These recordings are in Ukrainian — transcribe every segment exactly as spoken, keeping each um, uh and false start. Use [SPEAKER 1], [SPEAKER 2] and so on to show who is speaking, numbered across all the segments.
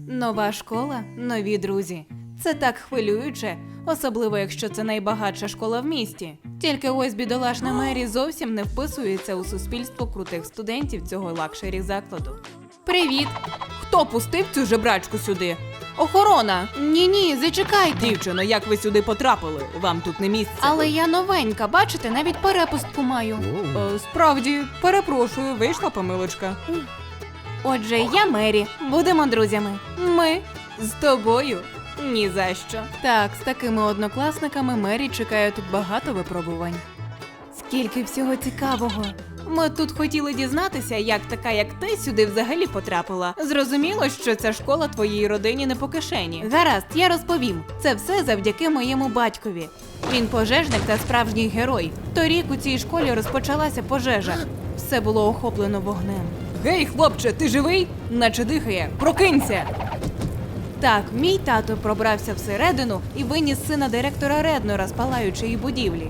[SPEAKER 1] Нова школа, нові друзі. Це так хвилююче, особливо якщо це найбагатша школа в місті. Тільки ось бідолашна Мері зовсім не вписується у суспільство крутих студентів цього лакшері закладу. Привіт! Хто пустив цю жебрачку сюди? Охорона! Ні-ні, зачекайте!
[SPEAKER 2] Дівчино, як ви сюди потрапили? Вам тут не місце.
[SPEAKER 1] Але я новенька, бачите, навіть перепустку маю.
[SPEAKER 2] Е, справді, перепрошую, вийшла помилочка.
[SPEAKER 1] Отже, я Мері. Будемо друзями. Ми з тобою. Ні за що. Так, з такими однокласниками Мері чекає тут багато випробувань. Скільки всього цікавого. Ми тут хотіли дізнатися, як така, як ти, сюди взагалі потрапила. Зрозуміло, що ця школа твоїй родині не по кишені. Гаразд, я розповім. Це все завдяки моєму батькові. Він пожежник та справжній герой. Торік у цій школі розпочалася пожежа. Все було охоплено вогнем.
[SPEAKER 2] Гей, хлопче, ти живий? Наче дихає. Прокинься!
[SPEAKER 1] Так, мій тато пробрався всередину і виніс сина директора Реднора з палаючої будівлі.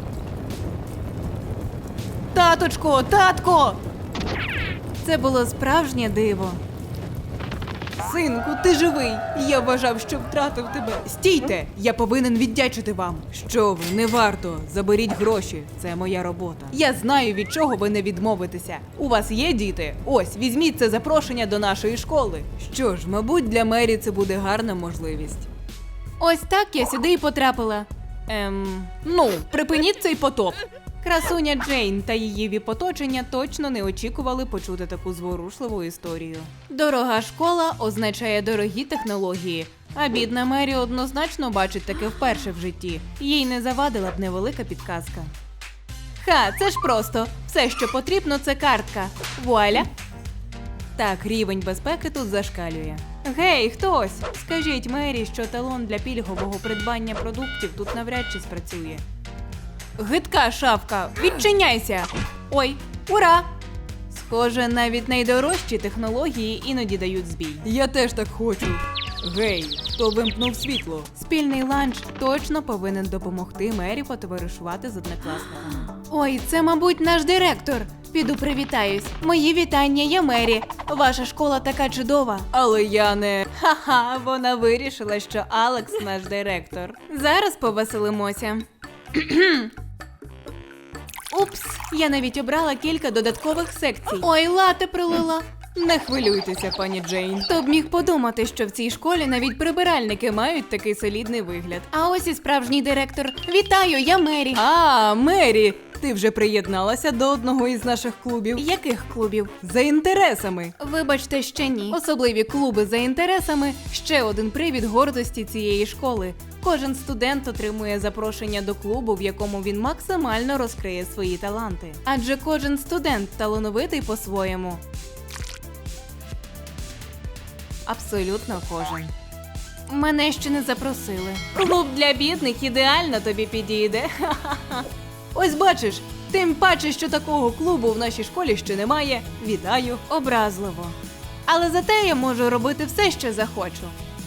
[SPEAKER 1] Таточко, татко! Це було справжнє диво.
[SPEAKER 2] Синку, ти живий! Я вважав, що втратив тебе. Стійте! Я повинен віддячити вам. Що ви, не варто. Заберіть гроші. Це моя робота. Я знаю, від чого ви не відмовитеся. У вас є діти? Ось, візьміть це запрошення до нашої школи. Що ж, мабуть, для Мері це буде гарна можливість.
[SPEAKER 1] Ось так я сюди і потрапила.
[SPEAKER 2] Ем, ну, припиніть цей потоп.
[SPEAKER 1] Красуня Джейн та її віп-оточення точно не очікували почути таку зворушливу історію. Дорога школа означає дорогі технології, а бідна Мері однозначно бачить таке вперше в житті. Їй не завадила б невелика підказка. Ха, це ж просто. Все, що потрібно, це картка. Вуаля! Так, рівень безпеки тут зашкалює. Гей, хтось! Скажіть Мері, що талон для пільгового придбання продуктів тут навряд чи спрацює. Гидка шавка, відчиняйся! Ой, ура! Схоже, навіть найдорожчі технології іноді дають збій.
[SPEAKER 2] Я теж так хочу. Гей, хто вимкнув світло?
[SPEAKER 1] Спільний ланч точно повинен допомогти Мері потоваришувати з однокласниками. Ой, це, мабуть, наш директор. Піду привітаюсь. Мої вітання, я Мері. Ваша школа така чудова.
[SPEAKER 2] Але я не...
[SPEAKER 1] Ха-ха, вона вирішила, що Алекс наш директор. Зараз повеселимося. Упс, я навіть обрала кілька додаткових секцій. Ой, лате пролила.
[SPEAKER 2] Не хвилюйтеся, пані Джейн.
[SPEAKER 1] Хто б міг подумати, що в цій школі навіть прибиральники мають такий солідний вигляд. А ось і справжній директор. Вітаю, я Мері.
[SPEAKER 2] А, Мері, ти вже приєдналася до одного із наших клубів.
[SPEAKER 1] Яких клубів?
[SPEAKER 2] За інтересами.
[SPEAKER 1] Вибачте, ще ні. Особливі клуби за інтересами – ще один привід гордості цієї школи. Кожен студент отримує запрошення до клубу, в якому він максимально розкриє свої таланти. Адже кожен студент талановитий по-своєму. Абсолютно кожен. Мене ще не запросили. Клуб для бідних ідеально тобі підійде.
[SPEAKER 2] Ось бачиш, тим паче, що такого клубу в нашій школі ще немає. Вітаю.
[SPEAKER 1] Образливо. Але зате я можу робити все, що захочу.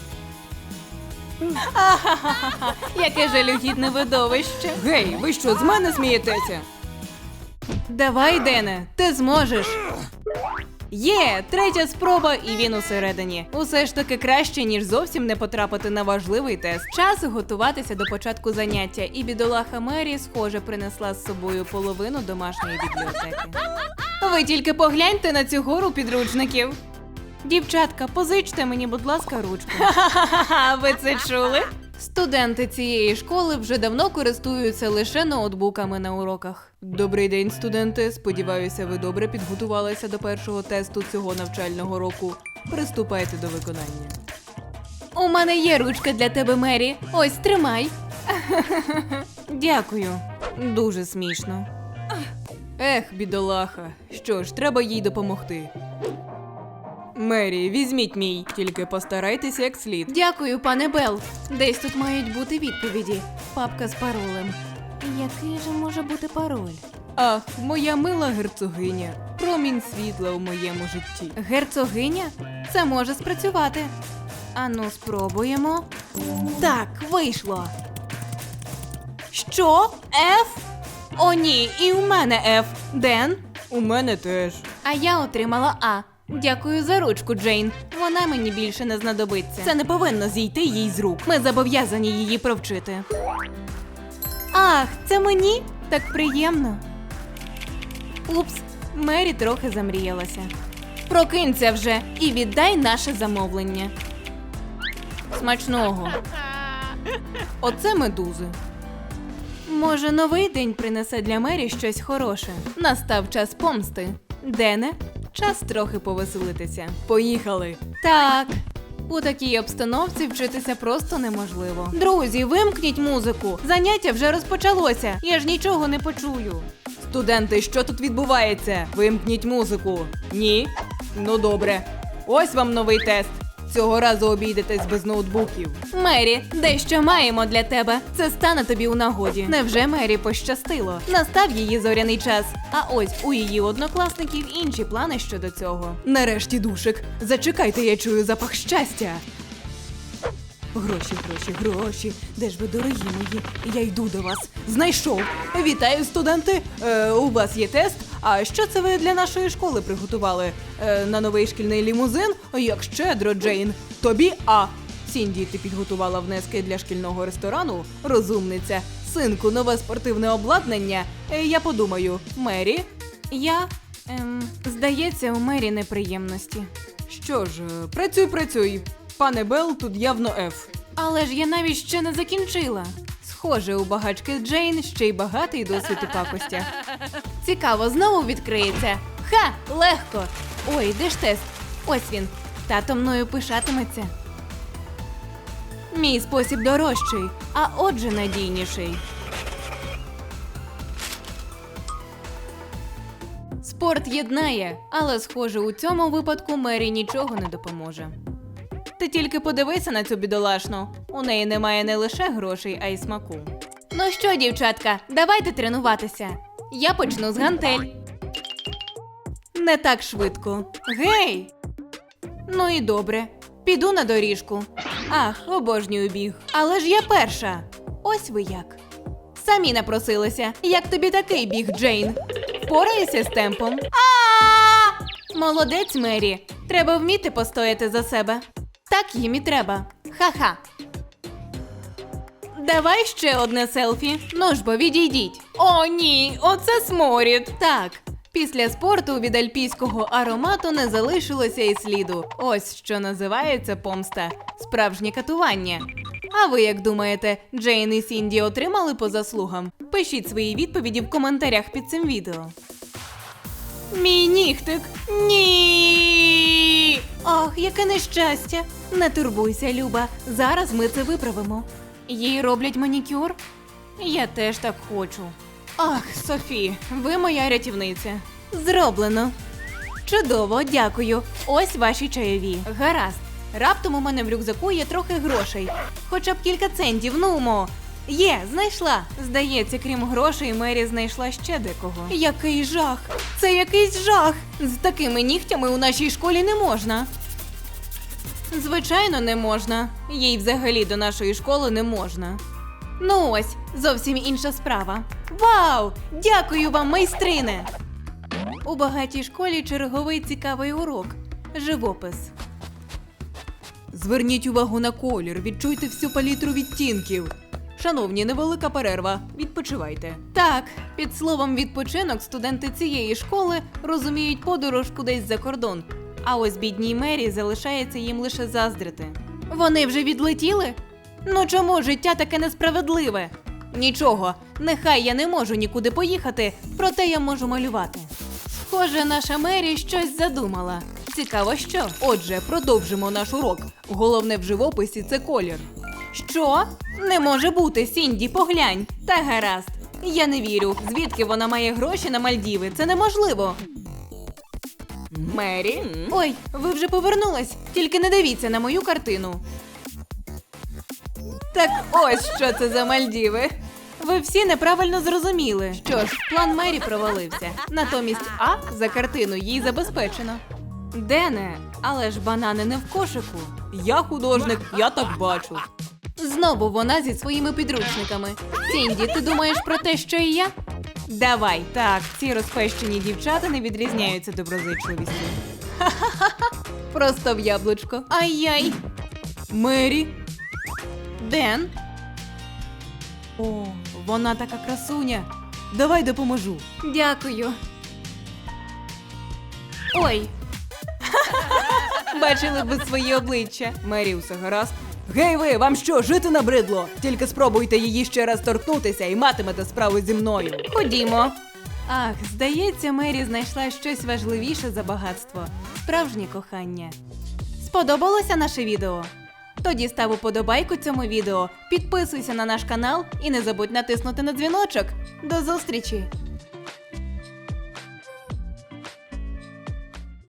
[SPEAKER 1] Ахахаха, яке жалюгідне видовище.
[SPEAKER 2] Гей, ви що, з мене смієтеся?
[SPEAKER 1] Давай, Дене, ти зможеш. Є, третя спроба, і він усередині. Усе ж таки краще, ніж зовсім не потрапити на важливий тест. Час готуватися до початку заняття, і бідолаха Мері, схоже, принесла з собою половину домашньої бібліотеки. Ви тільки погляньте на цю гору підручників. Дівчатка, позичте мені, будь ласка, ручку. Ха-ха-ха, ви це чули? Студенти цієї школи вже давно користуються лише ноутбуками на уроках.
[SPEAKER 2] Добрий день, студенти. Сподіваюся, ви добре підготувалися до першого тесту цього навчального року. Приступайте до виконання.
[SPEAKER 1] У мене є ручка для тебе, Мері. Ось, тримай. Дякую. Дуже смішно.
[SPEAKER 2] Ех, бідолаха. Що ж, треба їй допомогти. Мері, візьміть мій. Тільки постарайтеся як слід.
[SPEAKER 1] Дякую, пане Белл. Десь тут мають бути відповіді. Папка з паролем. Який же може бути пароль?
[SPEAKER 2] Ах, моя мила герцогиня. Промінь світла у моєму житті.
[SPEAKER 1] Герцогиня? Це може спрацювати. Ану, спробуємо. Так, вийшло. Що? Ф? О ні, і у мене Ф. Ден?
[SPEAKER 2] У мене теж.
[SPEAKER 1] А я отримала А. Дякую за ручку, Джейн. Вона мені більше не знадобиться. Це не повинно зійти їй з рук. Ми зобов'язані її провчити. Ах, це мені? Так приємно. Упс, Мері трохи замріялася. Прокинься вже і віддай наше замовлення. Смачного.
[SPEAKER 2] Оце медузи.
[SPEAKER 1] Може, новий день принесе для Мері щось хороше. Настав час помсти. Дене, час трохи повеселитися.
[SPEAKER 2] Поїхали.
[SPEAKER 1] Так. У такій обстановці вчитися просто неможливо. Друзі, вимкніть музику. Заняття вже розпочалося. Я ж нічого не почую.
[SPEAKER 2] Студенти, що тут відбувається? Вимкніть музику. Ні? Ну добре. Ось вам новий тест. Цього разу обійдетесь без ноутбуків.
[SPEAKER 1] Мері, дещо маємо для тебе. Це стане тобі у нагоді. Невже Мері пощастило? Настав її зоряний час. А ось у її однокласників інші плани щодо цього.
[SPEAKER 2] Нарешті, душик. Зачекайте, я чую запах щастя. Гроші, гроші, гроші. Де ж ви, дорогі мої? Я йду до вас. Знайшов. Вітаю, студенти. Е, у вас є тест. А що це ви для нашої школи приготували? Е, на новий шкільний лімузин? Як щедро, Джейн. Тобі А. Сінді, ти підготувала внески для шкільного ресторану? Розумниця. Синку, нове спортивне обладнання? Е, я подумаю. Мері?
[SPEAKER 1] Я, ем, здається, у Мері неприємності.
[SPEAKER 2] Що ж, е, працюй, працюй. Пане Белл, тут явно Ф.
[SPEAKER 1] Але ж я навіть ще не закінчила. Схоже, у багачки Джейн ще й багатий досвід у пакостях. Цікаво, знову відкриється. Ха! Легко! Ой, де ж тест? Ось він. Тато мною пишатиметься. Мій спосіб дорожчий, а отже надійніший. Спорт єднає, але, схоже, у цьому випадку Мері нічого не допоможе. Ти тільки подивися на цю бідолашну. У неї немає не лише грошей, а й смаку. Ну що, дівчатка, давайте тренуватися. Я почну з гантель. Не так швидко. Гей! Ну і добре. Піду на доріжку. Ах, обожнюю біг. Але ж я перша. Ось ви як. Самі напросилися. Як тобі такий біг, Джейн? Впораєшся з темпом? А! Молодець, Мері. Треба вміти постояти за себе. Так їм і треба. Ха-ха. Давай ще одне селфі. Ну ж бо, відійдіть. О, ні, оце сморід. Так, після спорту від альпійського аромату не залишилося і сліду. Ось що називається помста. Справжнє катування. А ви як думаєте, Джейн і Сінді отримали по заслугам? Пишіть свої відповіді в коментарях під цим відео. Мій нігтик. Ні! Ах, яке нещастя. Не турбуйся, Люба. Зараз ми це виправимо. Їй роблять манікюр? Я теж так хочу. Ах, Софі, ви моя рятівниця. Зроблено. Чудово, дякую. Ось ваші чайові. Гаразд. Раптом у мене в рюкзаку є трохи грошей. Хоча б кілька центів, нумо. Є, знайшла. Здається, крім грошей, Мері знайшла ще декого. Який жах! Це якийсь жах! З такими нігтями у нашій школі не можна. Звичайно, не можна. Їй взагалі до нашої школи не можна. Ну ось, зовсім інша справа. Вау! Дякую вам, майстрине! У багатій школі черговий цікавий урок. Живопис.
[SPEAKER 2] Зверніть увагу на колір, відчуйте всю палітру відтінків. Шановні, невелика перерва. Відпочивайте.
[SPEAKER 1] Так, під словом відпочинок студенти цієї школи розуміють подорож кудись за кордон. А ось бідній Мері залишається їм лише заздрити. Вони вже відлетіли? Ну чому життя таке несправедливе? Нічого, нехай я не можу нікуди поїхати, проте я можу малювати. Схоже, наша Мері щось задумала. Цікаво, що?
[SPEAKER 2] Отже, продовжимо наш урок. Головне в живописі – це колір.
[SPEAKER 1] Що? Не може бути, Сінді, поглянь. Та гаразд. Я не вірю, звідки вона має гроші на Мальдіви. Це неможливо. Мері? Ой, ви вже повернулись. Тільки не дивіться на мою картину. Так ось що це за Мальдіви. Ви всі неправильно зрозуміли. Що ж, план Мері провалився. Натомість А за картину їй забезпечено. Дене, але ж банани не в кошику.
[SPEAKER 2] Я художник, я так бачу.
[SPEAKER 1] Знову вона зі своїми підручниками. Сінді, ти думаєш про те, що і я? Давай, так, ці розпещені дівчата не відрізняються доброзичливістю. Ха-ха-ха!
[SPEAKER 2] Просто в яблучко.
[SPEAKER 1] Ай-яй.
[SPEAKER 2] Мері.
[SPEAKER 1] Ден?
[SPEAKER 2] О, вона така красуня. Давай допоможу.
[SPEAKER 1] Дякую. Ой,
[SPEAKER 2] Бачили б ви свої обличчя. Мері, усе гаразд? Гей ви, вам що, жити набридло? Тільки спробуйте її ще раз торкнутися і матимете справу зі мною.
[SPEAKER 1] ходімо.
[SPEAKER 2] Ах, здається, Мері знайшла щось важливіше за багатство. Справжнє кохання.
[SPEAKER 1] Сподобалося наше відео?
[SPEAKER 2] Тоді став уподобайку цьому відео, підписуйся на наш канал і не забудь натиснути на дзвіночок. До зустрічі!